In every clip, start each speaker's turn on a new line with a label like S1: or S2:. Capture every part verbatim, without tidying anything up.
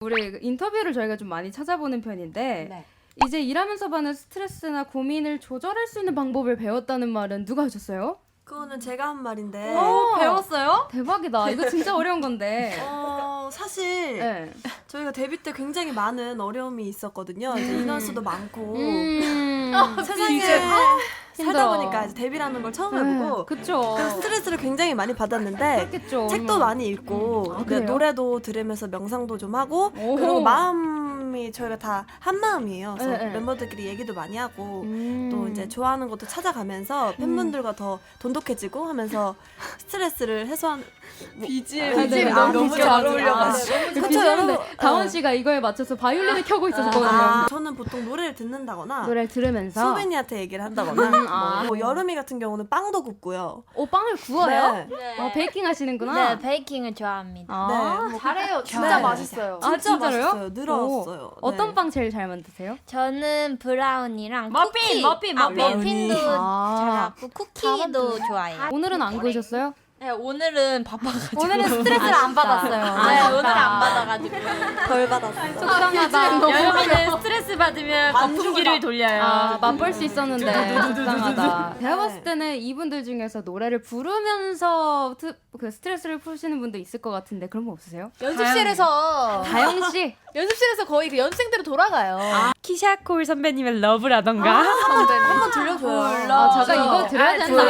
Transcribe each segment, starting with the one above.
S1: 우리 인터뷰를 저희가 좀 많이 찾아보는 편인데
S2: 네.
S1: 이제 일하면서 받는 스트레스나 고민을 조절할 수 있는 방법을 배웠다는 말은 누가 하셨어요?
S3: 그거는 제가 한 말인데.
S1: 오,
S2: 배웠어요?
S1: 대박이다. 이거 진짜 어려운 건데.
S3: 어, 사실
S1: 네.
S3: 저희가 데뷔 때 굉장히 많은 어려움이 있었거든요. 이제 인원수도 많고
S1: 음,
S3: 세상에
S1: 이제, 아,
S3: 살다
S1: 힘들어.
S3: 보니까 이제 데뷔라는 걸 처음 해보고
S1: 네, 그쵸.
S3: 그 스트레스를 굉장히 많이 받았는데
S1: 그렇겠죠.
S3: 책도 많이 읽고
S1: 아,
S3: 네,
S1: 그래요?
S3: 노래도 들으면서 명상도 좀 하고
S1: 오.
S3: 그리고 마음이 저희가 다 한 마음이에요. 그래서
S1: 네, 네.
S3: 멤버들끼리 얘기도 많이 하고
S1: 음.
S3: 또 이제 좋아하는 것도 찾아가면서 팬분들과 더 돈독해지고 하면서 스트레스를 해소하는
S2: 비지엠
S1: 아, 네,
S3: 아,
S1: 너무
S3: 너무
S1: 잘
S3: 어울려가지고.
S1: 그
S3: 그쵸,
S1: 비주얼인데
S3: 여러분.
S1: 다원
S3: 네.
S1: 씨가 이거에 맞춰서 바이올린을 켜고 있었거든요.
S3: 아, 저는 보통 노래를 듣는다거나
S1: 노래를 들으면서
S3: 소빈이한테 얘기를 한다거나
S1: 음, 아.
S3: 뭐, 뭐 여름이 같은 경우는 빵도 굽고요.
S1: 오, 빵을 구워요?
S3: 네.
S4: 네.
S1: 어, 베이킹 하시는구나.
S4: 네, 베이킹을 좋아합니다.
S1: 아,
S3: 네, 뭐
S2: 잘해요. 진짜
S3: 네.
S2: 맛있어요.
S1: 아,
S3: 진짜
S1: 진짜로요?
S3: 맛있어요. 늘어왔어요.
S1: 오, 어떤
S3: 네.
S1: 빵 제일 잘 만드세요?
S4: 저는 브라운이랑
S2: 머핀,
S4: 쿠키,
S2: 머핀,
S4: 아,
S2: 머핀.
S4: 머핀도
S1: 아.
S4: 잘하고 쿠키도 좋아해요.
S1: 오늘은 안 구우셨어요?
S4: 네, 오늘은 바빠가지고
S2: 오늘은 스트레스를 안 받았어요.
S4: 아, 네, 오늘은 안 받아가지고
S3: 덜 받았어요.
S1: 속상하다.
S4: 여러분은 스트레스 받으면 거품기를 돌려요.
S1: 아, 맛볼 수 있었는데 속상하다. 제가
S3: 네.
S1: 봤을 때는 이분들 중에서 노래를 부르면서 트, 그 스트레스를 푸시는 분도 있을 것 같은데 그런 거 없으세요?
S2: 연습실에서
S1: 다영 씨.
S2: 연습실에서 거의 그 연습생대로 돌아가요.
S5: 키샤콜 선배님의 러브라던가
S3: 한번 들려줘요.
S1: 아, 제가 이거 들어야 된다.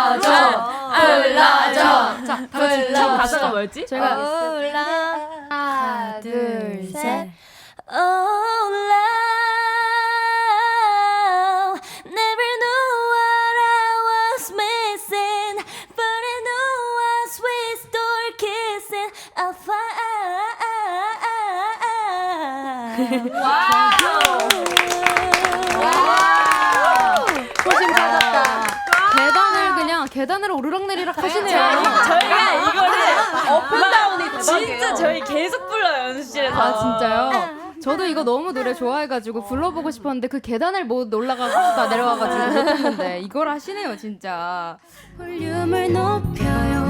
S3: 불러줘.
S1: 자, 다 같이
S5: 첫
S1: 불러봅시다.
S5: 가사가 뭐였지?
S1: 제가
S4: 하나,
S1: 둘, 셋.
S4: Oh, love, never knew what I was missing, but I knew us we start kissing. I
S1: 소신 받았다. 계단을 그냥 계단으로 오르락내리락 하시네요.
S5: 저희가 이거를
S2: 업앤다운이 대박이에요.
S5: 진짜 저희 계속 불러요 연습실에서.
S1: 아 진짜요? 저도 이거 너무 노래 좋아해가지고 불러보고 싶었는데 그 계단을 못 올라가다 내려와가지고 못했는데 이걸 하시네요 진짜. 볼륨을 높여요